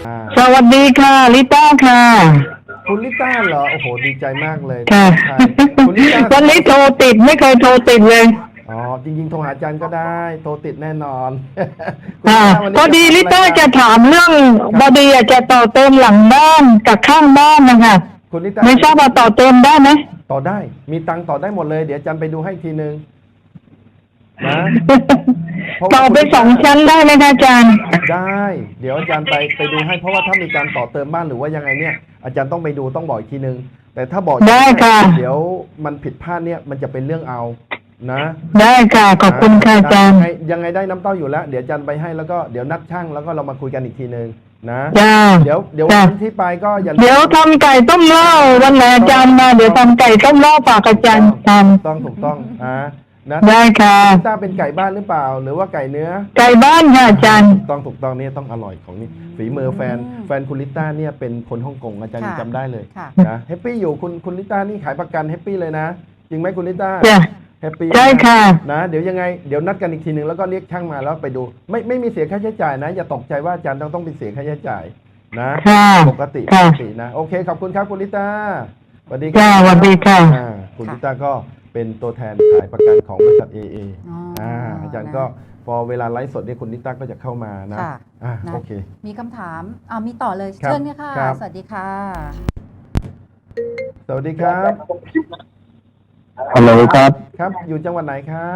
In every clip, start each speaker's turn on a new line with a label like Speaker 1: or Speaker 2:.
Speaker 1: สวัสดีค่ะลิต้าค่ะ
Speaker 2: คุณลิต้าเหรอโอ้โหดีใจมากเลย
Speaker 1: ค่ะ
Speaker 2: คุณลิต้า
Speaker 1: วันนี้โทรติดไม่เคยโทรติดเลย
Speaker 2: อ๋อจริงๆโทรหาอาจารย์ก็ได้โทรติดแน่นอนคุณ
Speaker 1: ค่ะ
Speaker 2: ลิต้าวัน
Speaker 1: พอดี
Speaker 2: นี้จะทำ
Speaker 1: ลิต้า
Speaker 2: อะไรกัน
Speaker 1: จะถามเรื่อง
Speaker 2: ครับ
Speaker 1: บอดีอยากจะต่อเติมหลังบ้านกับข้างบ้านนะคะ
Speaker 2: คุณลิต้า
Speaker 1: ไม่ทราบว่าต่อเติมได้ไหม
Speaker 2: ต่อได้มีตังค์ต่อได้หมดเลยเดี๋ยวอาจารย์ไปดูให้อีกทีนึงนะเพราะว่า
Speaker 1: ต่อไป
Speaker 2: คุณลิต้า
Speaker 1: 2 ชั้นได้ไหมคะอาจารย์
Speaker 2: ได้เดี๋ยวอาจารย์ไปดูให้เพราะว่าถ้ามีการต่อเติมบ้านหรือว่ายังไงเนี่ยอาจารย์ต้องไปดูต้องบอกอีกทีนึงแต่ถ้าบอก
Speaker 1: ได้ค่ะ
Speaker 2: เดี๋ยวมันผิดพลาดเนี่ยมันจะเป็นเรื่องเอานะ
Speaker 1: ได้ค่ะขอบคุณค่ะอาจารย์
Speaker 2: ยังไงได้น้ำเต้าอยู่แล้วเดี๋ยวอาจารย์ไปให้แล้วก็เดี๋ยวนัดช่างแล้วก็เรามาคุยกันอีกทีนึงนะ
Speaker 1: จ้า
Speaker 2: เดี๋ยววันที่ไปก็อย่าลืม
Speaker 1: เดี๋ยวทำไก่ต้มเหล้าวันไหนอาจารย์มาเดี๋ยวทำไก่ต้มเหล้าฝากอาจารย์ท
Speaker 2: ถูกต้องนะ
Speaker 1: ำได้ค่ะ
Speaker 2: ต้าเป็นไก่บ้านหรือเปล่าหรือว่าไก่เนื้อ
Speaker 1: ไก่บ้านค่ะอาจารย์
Speaker 2: ถูกต้องนี่ต้องอร่อยของนี่ฝีมือแฟนคุณลิต้าเนี่ยเป็นคนฮ่องกงอาจารย์ยังจำได้เลยนะแฮปปี้อยู่คุณลิต้านี่ขายประกันแฮปปี้เลยนะจริงไหมคุณลิต้าแฮปปี้
Speaker 1: ใช่ค่ะ
Speaker 2: นะเดี๋ยวยังไงเดี๋ยวนัดกันอีกทีหนึ่งแล้วก็เรียกช่างมาแล้วไปดูไม่มีเสียค่าใช้จ่ายนะอย่าตกใจว่าอาจารย์ต้องเป็นเสียค่าใช้จ่ายนะปกตินะโอเคขอบคุณครับคุณลิต้าสวัสดีครับ
Speaker 1: สวัสดีค่ะ
Speaker 2: คุณลิต้าก็เป็นตัวแทนขายประกันของบริษัท AA อาจารย์ก็พอเวลาไลฟ์สดเนี่ยคุณลิต้าก็จะเข้ามานะโอเค
Speaker 3: มีคำถามมีต่อเลยเชิญค่ะสวัสดีค่ะ
Speaker 2: สวัสดีครับ
Speaker 1: ฮัลโหลครับ
Speaker 2: ครับอยู่จังหวัดไหนครับ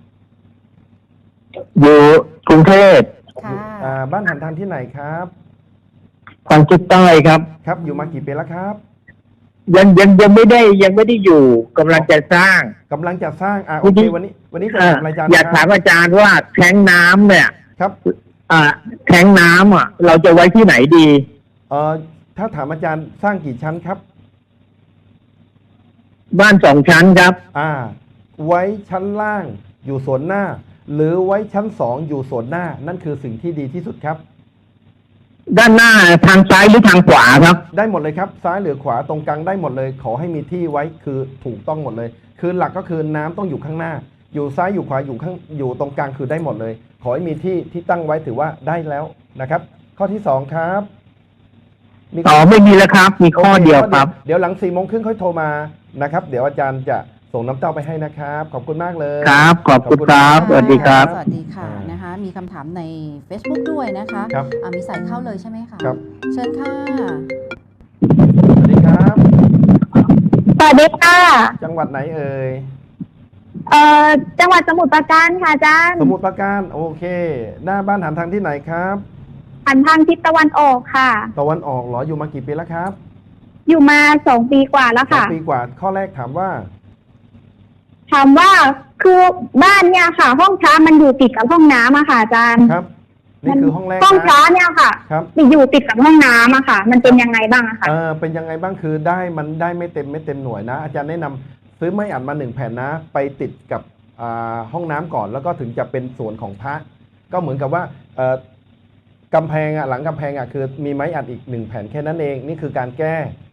Speaker 1: อยู่กรุงเทพ
Speaker 2: บ้านหันทางที่ไหนครับ
Speaker 1: ทางทิศใต้ครับ
Speaker 2: ครับอยู่มากี่ปีแล้วครับ
Speaker 1: ยังไม่ได้อยู่กำลังจะสร้าง
Speaker 2: โอเควันนี้จะถามอาจารย์
Speaker 1: อยากถามอาจารย์ว่าแทงน้ำเนี่ย
Speaker 2: ครับ
Speaker 1: แทงน้ำเราจะไว้ที่ไหนดี
Speaker 2: ถ้าถามอาจารย์สร้างกี่ชั้นครับ
Speaker 1: บ้าน2 ชั้นครับ
Speaker 2: ไว้ชั้นล่างอยู่ส่วนหน้าหรือไว้ชั้น2อยู่ส่วนหน้านั่นคือสิ่งที่ดีที่สุดครับ
Speaker 1: ด้านหน้าทางซ้ายหรือทางขวาครับ
Speaker 2: ได้หมดเลยครับซ้ายหรือขวาตรงกลางได้หมดเลยขอให้มีที่ไว้คือถูกต้องหมดเลยคือหลักก็คือน้ำต้องอยู่ข้างหน้าอยู่ซ้ายอยู่ขวาอยู่ตรงกลางคือได้หมดเลยขอให้มีที่ตั้งไว้ถือว่าได้แล้วนะครับข้อที่2ครับ
Speaker 1: ไม่มีแล้วครับมีข้อเดียวครับ
Speaker 2: เดี๋ยวหลัง4:30ค่อยโทรมานะครับเดี๋ยวอาจารย์จะส่งน้ำเต้าไปให้นะครับขอบคุณมากเลย
Speaker 1: ครับขอบคุณครับสวัสดีครับ
Speaker 3: สวัสดีค่ะนะคะมีคำถามใน Facebook ด้วยนะคะมีสายเข้าเลยใช่ไหมคะ
Speaker 2: ครับ
Speaker 3: เชิญค่ะ
Speaker 2: สวัสดีครับ
Speaker 4: สวัสดีค่ะ
Speaker 2: จังหวัดไหนเอ่ย
Speaker 4: จังหวัดสมุทรปราการค่ะอาจารย์
Speaker 2: สมุทรปราการโอเคหน้าบ้านหันทางที่ไหนครับ
Speaker 4: หันทางทิศตะวันออกค่ะ
Speaker 2: ตะวันออกเหรออยู่มากี่ปีแล้วครับ
Speaker 4: อยู่มา2 ปีกว่าแล้วค่ะ
Speaker 2: 2 ปีกว่าข้อแรกถามว่า
Speaker 4: คือบ้านเนี่ยค่ะห้องพระมันอยู่ติดกับห้องน้ำอะค่ะอาจารย์
Speaker 2: ครับนี่คือห้องแรก
Speaker 4: ห้องพระเนี่ยค่ะอยู่ติดกับห้องน้ำอะค่ะมันเป็นยังไงบ้างอะคะ
Speaker 2: เป็นยังไงบ้างคือมันได้ไม่เต็มหน่วยนะอาจารย์แนะนำซื้อไม้อัดมา1 แผ่นนะไปติดกับห้องน้ำก่อนแล้วก็ถึงจะเป็นส่วนของพระก็เหมือนกับว่ากำแพงหลังกำแพงคือมีไม้อัดอีก1 แผ่นแค่นั้นเองนี่คือการแก้